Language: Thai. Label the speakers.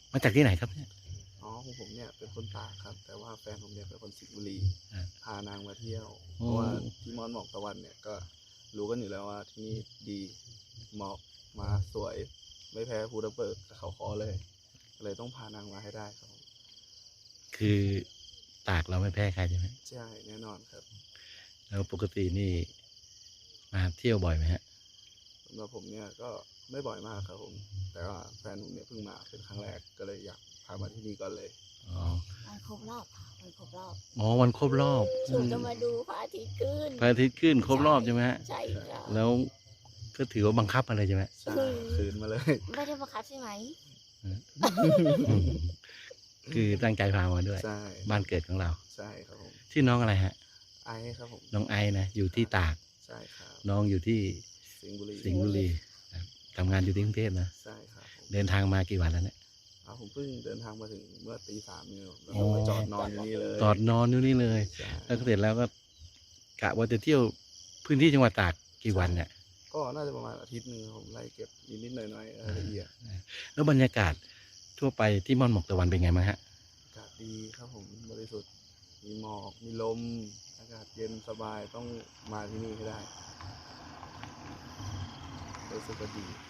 Speaker 1: มาจากที่ไหนครับเนี่ย
Speaker 2: อ๋อของผมเนี่ยเป็นคนตากครับแต่ว่าแฟนผมเนี่ยเป็นคนสิงห์บุรี
Speaker 1: อ่า
Speaker 2: พานางมาเที่ยวเพ
Speaker 1: โอ้
Speaker 2: ราะว่าที่ม่อนหมอกตะวันเนี่ยก็รู้กันอยู่แล้วว่าที่นี่ดีหมอกมาสวยไม่แพ้ภูทับเบิกกับเขาค้อเลยก็เลยต้องพานางมาให้ได้ครับผม
Speaker 1: คือตากเราไม่แพ้ใครใช่ไหม
Speaker 2: ใช่แน่นอนครับ
Speaker 1: แล้วปกตินี่มาเที่ยวบ่อยไหมฮะ
Speaker 2: สำหรับผมเนี่ยก็ไม่บ่อยมากครับผมแต่ว่าแฟนผมเนี่ยเพิ่งมาเป็นครั้งแรกก็เลยอยากพามาที่นี่ก่อนเลย
Speaker 1: อ๋อ
Speaker 3: วันครบรอบค่ะวันครบรอบ
Speaker 1: อ๋อวันครบรอบ
Speaker 3: หนูจะมาดูพระอาทิตย์ขึ้น
Speaker 1: พระอาทิตย์ขึ้นครบรอบใช่ไหมฮะ
Speaker 3: ใช่ค่ะ
Speaker 1: แล้วก็ถือว่าบังคับอะไรใช่ไหม
Speaker 2: ใช่คืนมาเลย
Speaker 3: ไม่ได้บังคับใช่ไหม
Speaker 1: อืมคือตั้งใจพามาด้วย
Speaker 2: ใช่
Speaker 1: บ้านเกิดของเรา
Speaker 2: ใช่ครับผม
Speaker 1: ชื่อน้องอะไรฮะ
Speaker 2: ไอครับผม
Speaker 1: น้องไอนะอยู่ที่ตาก
Speaker 2: ใช่ครับ
Speaker 1: น้องอยู่ที่
Speaker 2: สิงห์บุรี
Speaker 1: สิงห์บุรีนะครับทำงานอยู่ที่กรุงเทพนะ
Speaker 2: ใช่ครับผม
Speaker 1: เดินทางมากี่วันแล้วเนี่ย
Speaker 2: ผมเพิ่งเดินทางมาถึงเมื่อตี 3นี่ครับแล้ว
Speaker 1: อ๋
Speaker 2: ก็
Speaker 1: อ
Speaker 2: มาจอดนอนอยู่นี่เลย
Speaker 1: ตอดนอนอยู่นี่เลย
Speaker 2: ใช่
Speaker 1: แล้วก็เสร็จแล้วก็กะว่าจะเที่ยวพื้นที่จังหวัดตากกี่วันเนี่ย
Speaker 2: ก็น่าจะประมาณอาทิตย์หนึงครับผมไล่เก็บนิดๆหน่อยๆรายละเอียด
Speaker 1: แล้วบรรยากาศทั่วไปที่ม่อนหมอกตะวันเป็นไงบ้างฮะ
Speaker 2: อากาศดีครับผมบริสุทธิ์มีหมอกมีลมอากาศเย็นสบายต้องมาที่นี่ให้ได้รู้สึกว่าดี